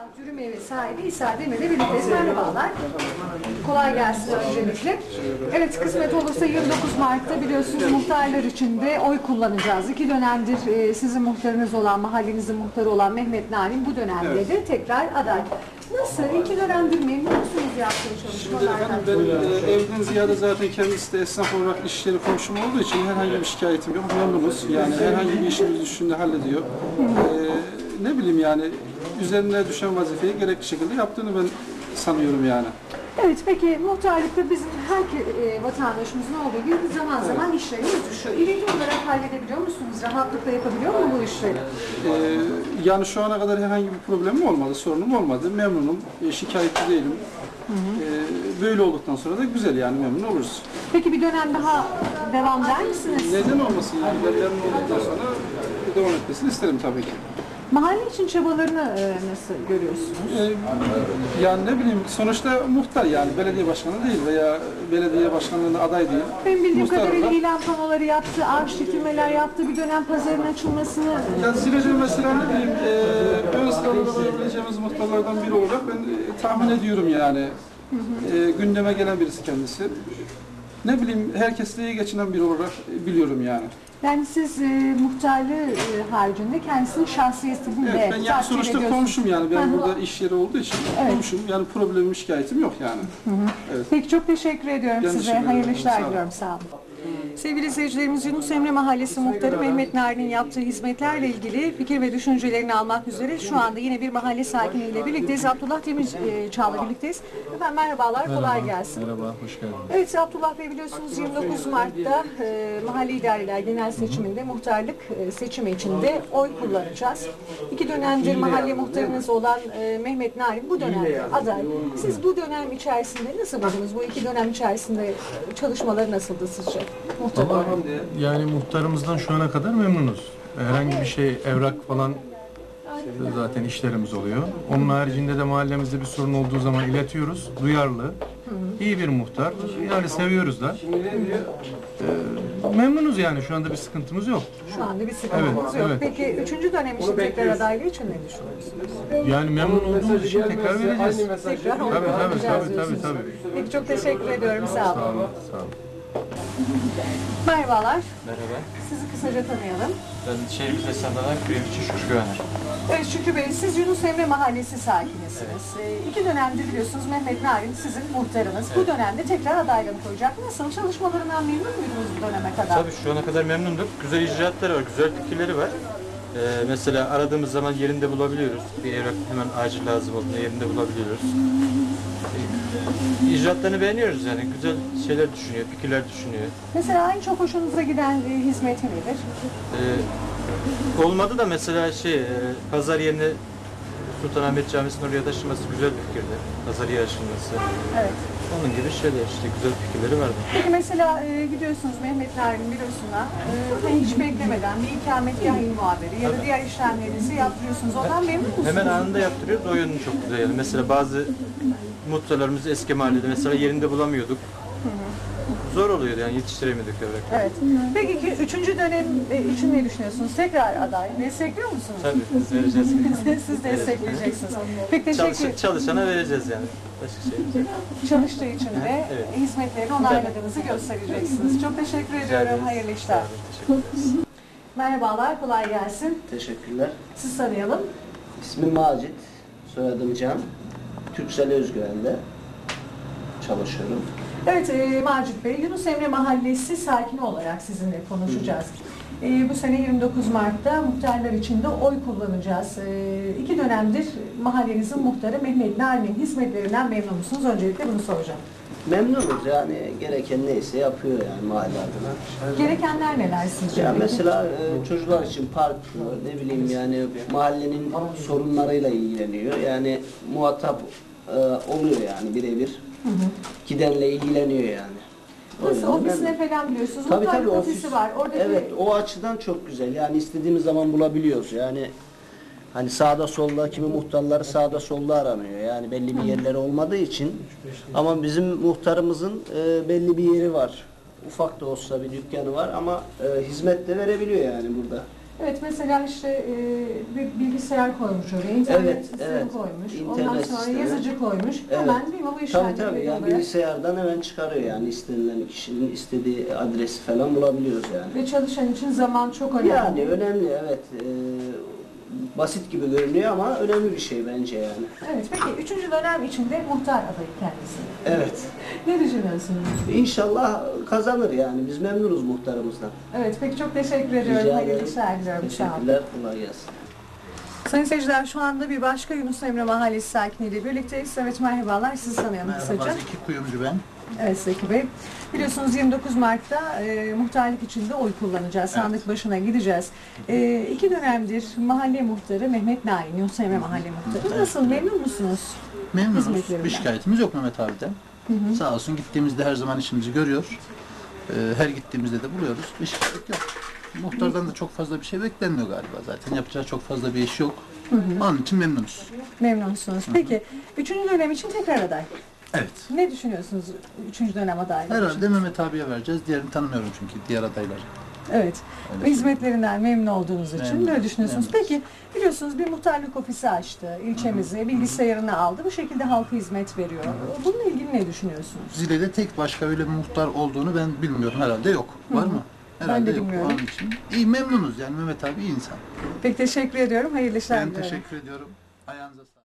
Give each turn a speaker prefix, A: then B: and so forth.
A: Dürüm evi sahibi İsa Demir'le birlikteyiz. Merhabalar. Kolay gelsin öncelikle. Evet, kısmet olursa 29 Mart'ta biliyorsunuz muhtarlar için de oy kullanacağız. 2 dönemdir sizin muhtarınız olan, mahallenizin muhtarı olan Mehmet Narin bu dönemde de tekrar aday. Nasıl? 2 dönemdir memnun musunuz yaptığı çalışmalardan?
B: Ben evden ziyade zaten kendisi de esnaf olarak işleri komşum olduğu için herhangi bir şikayetim yok. Memnunuz. Yani herhangi bir işimiz düşünde hallediyor. Ne bileyim yani üzerine düşen vazifeyi gerekli şekilde yaptığını ben sanıyorum yani.
A: Evet, peki muhtarlıkta bizim her vatandaşımızın olduğu gibi zaman zaman işlerimiz düşüyor. İlgili olarak halledebiliyor musunuz? Rahatlıkla yapabiliyor mu bu işleri?
B: Yani şu ana kadar herhangi bir problemim olmadı, sorunum olmadı. Memnunum, şikayetçi değilim. Böyle olduktan sonra da güzel yani memnun oluruz.
A: Peki bir dönem daha devam eder misiniz?
B: Neden olmasın yani memnun olduktan sonra devam etmesini isterim tabii ki.
A: Mahalle için çabalarını nasıl görüyorsunuz?
B: Yani ne bileyim sonuçta muhtar yani belediye başkanı değil veya belediye başkanlığına aday değil.
A: Benim bildiğim
B: Muhtar
A: kadarıyla
B: olarak-
A: ilan panoları yaptı, ağaç dikilmeler yaptı, bir dönem pazarın açılmasını...
B: Yani Zirece mesela ne bileyim ön sırada olabileceğimiz muhtarlardan biri olarak ben tahmin ediyorum yani. Gündeme gelen birisi kendisi. Ne bileyim herkesle iyi geçinen biri olarak biliyorum yani.
A: Yani siz muhtarlığı haricinde kendisinin şahsiyetini
B: Evet,
A: de
B: ben yani
A: takdir
B: sonuçta
A: ediyorsunuz.
B: komşum yani ben
A: Hı hı.
B: burada iş yeri olduğu için
A: Evet.
B: komşum yani problemim şikayetim yok yani. Evet.
A: Peki çok teşekkür ediyorum
B: Ben
A: size.
B: teşekkür ederim.
A: Hayırlı işler
B: Sağ olun.
A: diliyorum. Sağ olun. Sevgili izleyicilerimiz, Yunus Emre Mahallesi Muhtarı Mehmet Narin'in yaptığı hizmetlerle ilgili fikir ve düşüncelerini almak üzere şu anda yine bir mahalle sakiniyle birlikteyiz. Abdullah Demirçağ'la birlikteyiz. Efendim merhabalar, kolay gelsin.
C: Merhaba, hoş geldiniz.
A: Evet Abdullah Bey, biliyorsunuz 29 Mart'ta Mahalle İdareler Genel Seçiminde muhtarlık seçimi içinde oy kullanacağız. 2 dönemdir mahalle muhtarınız olan Mehmet Narin bu dönemde aday. Siz bu dönem içerisinde nasıl buldunuz? Bu 2 dönem içerisinde çalışmaları nasıldı sizce? Muhtar olarak.
C: Yani muhtarımızdan şu ana kadar memnunuz. Herhangi bir şey, evrak falan zaten işlerimiz oluyor. Onun haricinde de mahallemizde bir sorun olduğu zaman iletiyoruz. Duyarlı, iyi bir muhtar. Yani seviyoruz da. Memnunuz yani, şu anda bir sıkıntımız yok.
A: Şu anda bir sıkıntımız yok.
C: evet.
A: Peki 3. dönem için tekrar adaylığı için ne düşünüyorsunuz?
C: Yani memnun olduğumuz için tekrar vereceğiz.
A: Tekrar oy
C: Tabii,
A: kullanacağız
C: tabii.
A: diyorsunuz. Peki çok teşekkür ediyorum. Sağ olun.
C: Sağ olun, sağ olun.
A: Merhabalar.
D: Merhaba,
A: Sizi kısaca tanıyalım.
D: ben şehrimiz esnaflarından Kremçi Şükrü Güvener.
A: Evet Şükrü Bey, siz Yunus Emre Mahallesi sakinisiniz. 2 dönemdir biliyorsunuz Mehmet Narin sizin muhtarınız. Bu dönemde tekrar adaylığını koyacak. Nasıl? Çalışmalarından memnun muydunuz bu döneme kadar?
D: Tabii şu ana kadar memnunduk. Güzel icraatları var, güzel fikirleri var. Mesela aradığımız zaman yerinde bulabiliyoruz. Bir evrak hemen acil lazım olduğunda yerinde bulabiliyoruz. İcraatlarını beğeniyoruz yani. Güzel şeyler düşünüyor, fikirler düşünüyor.
A: Mesela en çok hoşunuza giden hizmeti nedir?
D: Olmadı da mesela pazar yerine Sultanahmet Camisi'nin oraya taşınması güzel bir fikirdi. Pazar yeri açılması.
A: Evet.
D: Onun gibi şeyler işte güzel fikirleri vardı.
A: Peki mesela gidiyorsunuz Mehmet Narin bürosuna, hiç beklemeden bir ikametgah muhabiri ya da diğer işlemlerinizi yaptırıyorsunuz. Ondan memnun musunuz?
D: Hemen anında yaptırıyoruz. O yönü çok güzel. Yani mesela bazı muhtarlarımız eski mahallede mesela yerinde bulamıyorduk. Zor oluyordu yani yetiştiremiyorduk evrak.
A: Evet. Peki ki 3. dönem için ne düşünüyorsunuz? Tekrar aday. Destekliyor musunuz?
D: Tabii biz vereceğiz.
A: Siz destekleyeceksiniz. Peki teşekkür
D: Çalışana vereceğiz yani. Başka şey yok.
A: Çalıştığı için de
D: Evet.
A: hizmetlerini onayladığınızı göstereceksiniz. Çok teşekkür ediyorum. Hayırlı işler.
D: Teşekkür ederiz.
A: Merhabalar, kolay gelsin.
E: Teşekkürler.
A: Siz tanıyalım.
E: İsmim Macit, soyadım Can. Türksel Özgüven'de çalışıyorum.
A: Evet Macit Bey, Yunus Emre Mahallesi sakini olarak sizinle konuşacağız. Bu sene 29 Mart'ta muhtarlar için de oy kullanacağız. 2 dönemdir mahallenizin muhtarı Mehmet Narin'in hizmetlerinden memnun musunuz? Öncelikle bunu soracağım.
E: Memnunuz yani gereken neyse yapıyor yani mahalle adına.
A: Gerekenler neler sizce?
E: Ya mesela çocuklar için park, ne bileyim yani mahallenin sorunlarıyla ilgileniyor. Yani muhatap oluyor yani birebir. Gidenle ilgileniyor yani. O
A: Nasıl?
E: yüzden
A: Ofisine falan biliyorsunuz.
E: Tabii
A: Muhtarlık
E: tabii
A: ofisi var. Oradaki...
E: Evet, o açıdan çok güzel. Yani istediğimiz zaman bulabiliyoruz. Yani hani sağda solda kimi muhtarları sağda solda aranıyor. Yani belli bir yerleri olmadığı için. Ama bizim muhtarımızın belli bir yeri var. Ufak da olsa bir dükkanı var ama hizmet de verebiliyor yani burada.
A: Evet, mesela işte bir bilgisayar koymuş oraya, internet
E: Evet,
A: sistemi
E: evet.
A: koymuş,
E: İnternet
A: ondan sonra
E: sistemi.
A: yazıcı koymuş,
E: Evet.
A: hemen değil mi bu
E: Tabii
A: işlemleri
E: tabii yani
A: olarak.
E: bilgisayardan hemen çıkarıyor yani istenilen kişinin istediği adresi falan bulabiliyoruz yani.
A: Ve çalışan için zaman çok önemli.
E: Yani önemli evet. Basit gibi görünüyor ama önemli bir şey bence yani.
A: Evet, peki 3. dönem içinde muhtar adayı kendisi.
E: Evet.
A: Ne düşünüyorsunuz?
E: İnşallah kazanır yani. Biz memnunuz muhtarımızdan.
A: Evet, peki çok teşekkür ediyorum.
E: Rica
A: Hayırlı
E: ederim.
A: işler diliyorum. Sağ olun.
E: Teşekkürler. Kolay gelsin.
A: Sayın seyirciler, şu anda bir başka Yunus Emre Mahallesi sakiniyle birlikteyiz. Evet, merhabalar. Sizi tanıyalım kısaca.
F: Merhaba, Zeki Kuyumcu ben.
A: Evet Zeki Bey. Biliyorsunuz 29 Mart'ta muhtarlık içinde oy kullanacağız. Sandık başına gideceğiz. 2 dönemdir mahalle muhtarı Mehmet Naim, Yunus Emre Mahalle Muhtarı. Nasıl, memnun musunuz?
F: Memnunuz.
A: Hizmetlerinden.
F: Bir şikayetimiz yok Mehmet abiden. Sağ olsun gittiğimizde her zaman işimizi görüyor. Her gittiğimizde de buluyoruz. Bir şikayet yok. Muhtardan da çok fazla bir şey beklenmiyor galiba zaten. Yapacağı çok fazla bir iş yok. Onun için memnunuz.
A: Memnunsunuz. Peki 3. dönem için tekrar aday.
F: Evet.
A: Ne düşünüyorsunuz 3. dönem adaylığı için?
F: Herhalde Mehmet abiye vereceğiz. Diğerini tanımıyorum çünkü diğer adayları.
A: Evet.
F: Öyle
A: Ve hizmetlerinden memnun olduğunuz için
F: Memnunuz,
A: böyle düşünüyorsunuz.
F: memnunuz.
A: Peki biliyorsunuz bir muhtarlık ofisi açtı ilçemize, bilgisayarını aldı. Bu şekilde halka hizmet veriyor. Bununla ilgili ne düşünüyorsunuz?
F: Zile'de tek başka öyle bir muhtar olduğunu ben bilmiyorum. Herhalde yok. Var mı? Herhalde
A: de
F: yok.
A: bilmiyorum.
F: Onun için iyi memnunuz yani Mehmet abi iyi insan.
A: Pek teşekkür ediyorum. Hayırlı işler
F: Ben
A: diliyorum.
F: teşekkür ediyorum. Ayağınıza sağlık.